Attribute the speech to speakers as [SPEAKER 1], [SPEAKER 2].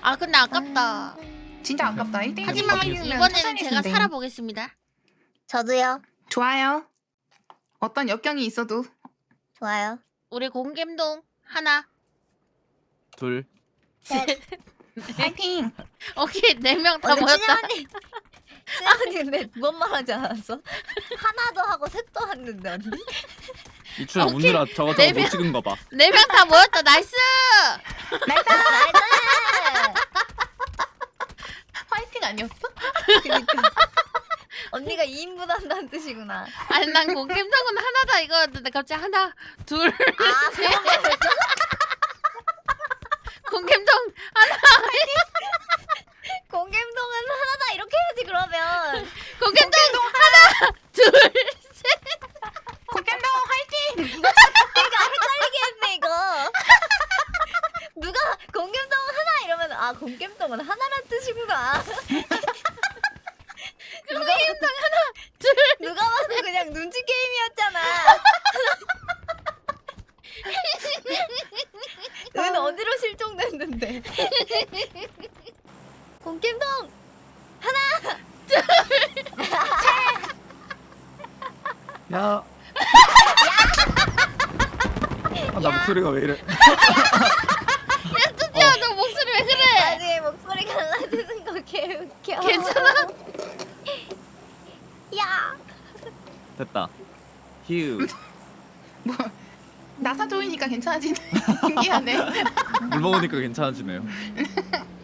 [SPEAKER 1] 아 근데 아깝다.
[SPEAKER 2] 진짜 아깝다. 1등.
[SPEAKER 1] 하지만 이번에는 제가 살아보겠습니다.
[SPEAKER 3] 저도요.
[SPEAKER 2] 좋아요. 어떤 역경이 있어도
[SPEAKER 3] 좋아요.
[SPEAKER 1] 우리 공겜동 하나.
[SPEAKER 4] 둘.
[SPEAKER 3] 셋.
[SPEAKER 2] 파이팅.
[SPEAKER 1] 오케이 4명 다 모였다.
[SPEAKER 3] 수연이 근데 뭔 말하지 않았어? 하나도 하고 셋도 했는데 언니?
[SPEAKER 4] 이춘아
[SPEAKER 1] 오케이.
[SPEAKER 4] 웃느라 저거
[SPEAKER 1] 네
[SPEAKER 4] 못 찍은 거 봐.
[SPEAKER 1] 4명 다 모였다. 나이스.
[SPEAKER 3] 나이스!
[SPEAKER 2] 파이팅 아니었어?
[SPEAKER 3] 그니까 언니가 2인분 한다는 뜻이구나.
[SPEAKER 1] 아니 난 공겜동은 하나다 이거였는데 갑자기 하나 둘
[SPEAKER 3] 아
[SPEAKER 1] 셋. 공겜동 하나.
[SPEAKER 3] 공겜동은 하나다 이렇게 해야지 그러면.
[SPEAKER 1] 공겜동 하나 둘 셋.
[SPEAKER 2] 공겜동 화이팅.
[SPEAKER 3] 내가 헷갈리게 했네 이거. 누가 공겜동 하나 이러면 아 공겜동은 하나란 뜻이구나.
[SPEAKER 1] 공겜동 하나 둘.
[SPEAKER 3] 누가 봐도 그냥 눈치 게임이었잖아. 은 어디로 실종됐는데? 공겜동 하나
[SPEAKER 4] 야. 아, 나 목소리가 왜 이래?
[SPEAKER 1] 야 뚜띠야 너 목소리 왜 그래?
[SPEAKER 3] 나중에 목소리 갈라지는 거 개웃겨.
[SPEAKER 1] 괜찮아?
[SPEAKER 3] 야
[SPEAKER 4] 됐다. 휴.
[SPEAKER 2] 뭐 나사 조이니까 괜찮아지네. 신기하네.
[SPEAKER 4] 물 먹으니까 괜찮아지네요.